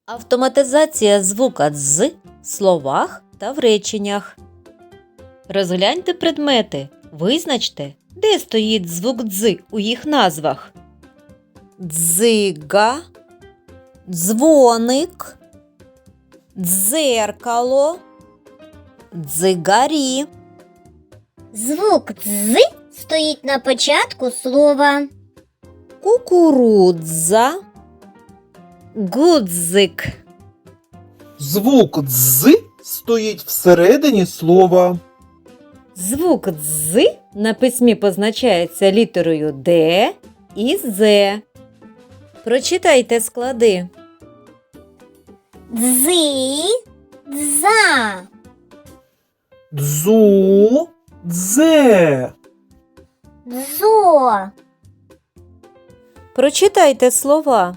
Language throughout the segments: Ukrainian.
Автоматизація звука «дз» в словах та в реченнях. Розгляньте предмети. Визначте, де стоїть звук «дз» у їх назвах. Дзига, дзвоник, дзеркало, дзигарі. Звук «з» стоїть на початку слова. Кукурудза, гудзик. Звук «дз» стоїть всередині слова. Звук «дз» на письмі позначається літерою «д» і «з». Прочитайте склади. Дзи, дза, Дзу, дзе. дзо, Прочитайте слова.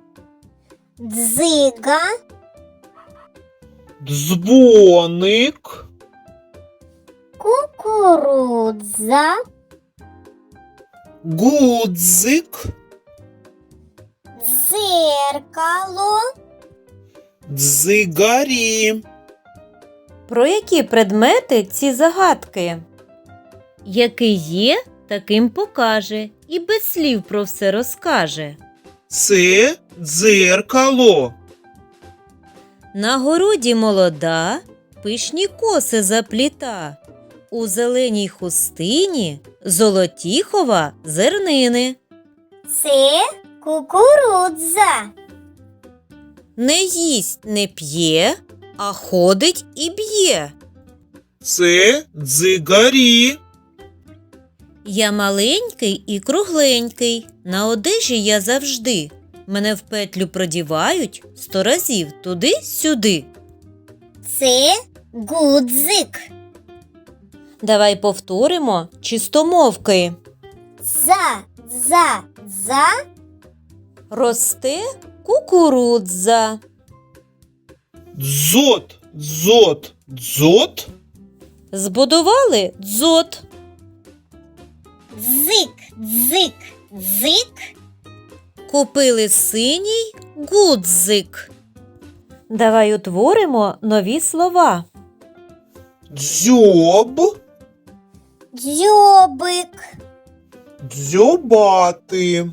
дзига, Дзвоник, кукурудза, гудзик, дзеркало. дзигарі. Про які предмети ці загадки? Який є, таким покаже і без слів про все розкаже. Це дзеркало. На городі молода, пишні коси запліта. У зеленій хустині золоті хова зернини. Це кукурудза. Не їсть, не п'є, а ходить і б'є. Це дзигарі. Я маленький і кругленький, на одежі я завжди. Мене в петлю продівають 100 разів туди-сюди. Це гудзик. Давай повторимо чистомовки. Дза, дза, дза. Росте кукурудза. Дзот, дзот, дзот. Збудували дзот. Дзик, дзик, дзик. Купили синій гудзик. Давай утворимо нові слова. Дзьоб, Дзьобик, дзьобати.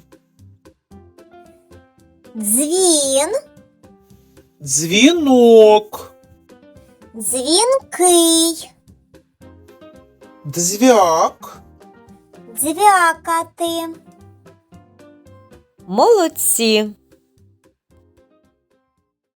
дзвін, Дзвінок, дзвінкий, дзвяк. дзвякати. Молодці!